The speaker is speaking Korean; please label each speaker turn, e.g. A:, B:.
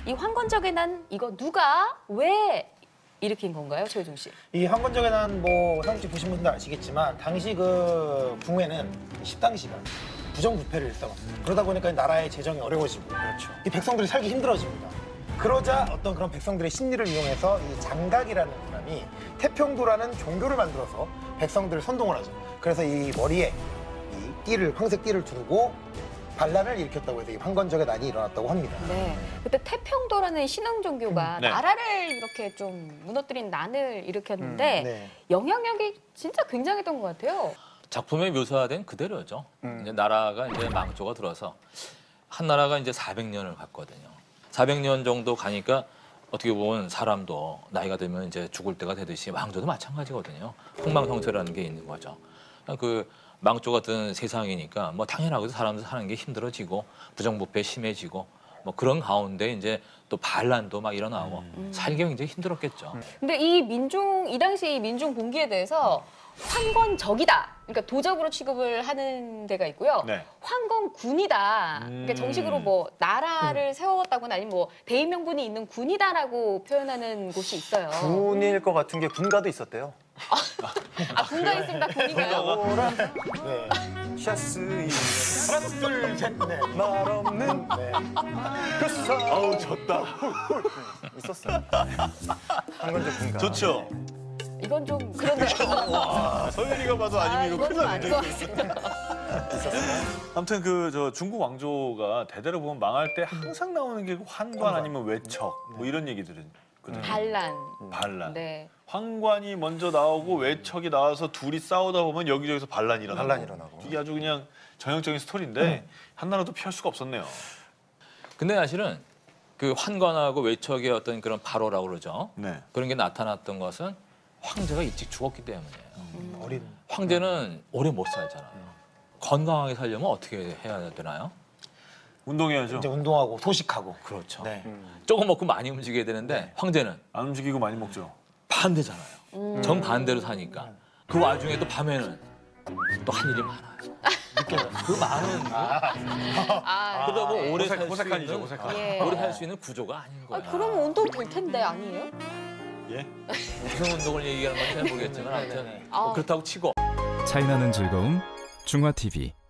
A: 이 황건적의 난 이거 누가 왜 일으킨 건가요, 최효중 씨?
B: 이 황건적의 난 뭐 상식 보신 분들 아시겠지만 당시 그 궁에는 십당시가 부정부패를 일삼았습니다. 그러다 보니까 나라의 재정이 어려워지고 이 백성들이 살기 힘들어집니다. 그러자 어떤 그런 백성들의 심리를 이용해서 이 장각이라는 사람이 태평도라는 종교를 만들어서 백성들을 선동을 하죠. 그래서 이 머리에 이 띠를 황색 띠를 두르고 반란을 일으켰다고 해서 이 황건적의 난이 일어났다고 합니다.
A: 네. 그때 태평도라는 신흥 종교가
C: 네.
A: 나라를 이렇게 좀 무너뜨린 난을 일으켰는데
B: 네.
A: 영향력이 진짜 굉장했던 것 같아요.
D: 작품에 묘사된 그대로죠. 이제 나라가 이제 망조가 들어서 한 나라가 이제 400년을 갔거든요. 400년 정도 가니까 어떻게 보면 사람도 나이가 들면 이제 죽을 때가 되듯이 망조도 마찬가지거든요. 흥망성쇠라는 게 있는 거죠. 그 망조 같은 세상이니까 뭐 당연하게도 사람들 사는 게 힘들어지고 부정부패 심해지고 뭐 그런 가운데 이제 또 반란도 막 일어나고 살기 굉장히 힘들었겠죠.
A: 근데 이 당시 민중 봉기에 대해서 황건적이다. 그러니까 도적으로 취급을 하는 데가 있고요.
C: 네.
A: 황건군이다. 그러니까 정식으로 뭐 나라를 세웠다거나 아니면 뭐 대의 명분이 있는 군이다라고 표현하는 곳이 있어요.
E: 군일 것 같은 게 군가도 있었대요.
A: 아, 군가 있으면 다 군인가요?
B: 네.
E: 샤스
B: 하나, 둘, 셋, 넷.
E: 말 없는
B: 네.
E: 그 사람
C: 아우 졌다.
E: 있었어요. 황건적 군가.
C: 좋죠.
A: 이건 좀 그런데.
C: 와 서윤이가 봐도 아니면 이거
A: 이건
C: 큰일
A: 좀 아닌 것
C: 났는데.
A: 같습니다.
C: 아무튼 그 저 중국 왕조가 대대로 보면 망할 때 항상 나오는 게 환관 아니면 외척 뭐 이런 얘기들은 있거든요.
A: 반란.
C: 반란.
A: 네.
C: 황관이 먼저 나오고 외척이 나와서 둘이 싸우다 보면 여기저기서 반란이 일어나고.
E: 반란이 일어나고.
C: 이게 아주 그냥 전형적인 스토리인데 한나라도 피할 수가 없었네요.
D: 근데 사실은 그 환관하고 외척의 어떤 그런 발호라고 그러죠.
C: 네.
D: 그런 게 나타났던 것은 황제가 일찍 죽었기 때문이에요.
B: 어린.
D: 황제는 오래 못 살잖아요. 건강하게 살려면 어떻게 해야 되나요?
C: 운동해야죠.
B: 이제 운동하고 소식하고.
D: 그렇죠.
B: 네.
D: 조금 먹고 많이 움직여야 되는데 황제는
C: 안 움직이고 많이 먹죠.
D: 반대잖아요. 정반대로 사니까. 그 와중에 또 밤에는 또 할 일이 많아요. 그 많은
A: 아,
D: 그러다 보면 오래 살 수
C: 호색한이죠,
D: 있는
C: 호색한.
A: 예.
D: 오래 살 수 있는 구조가 아닌 거야.
A: 그러면 운동 될 텐데 아니에요?
C: 예?
D: 무슨 운동을 얘기하는 건지 잘 모르겠지만 아무튼
A: 아.
D: 그렇다고 치고
F: 차이나는 즐거움 중화TV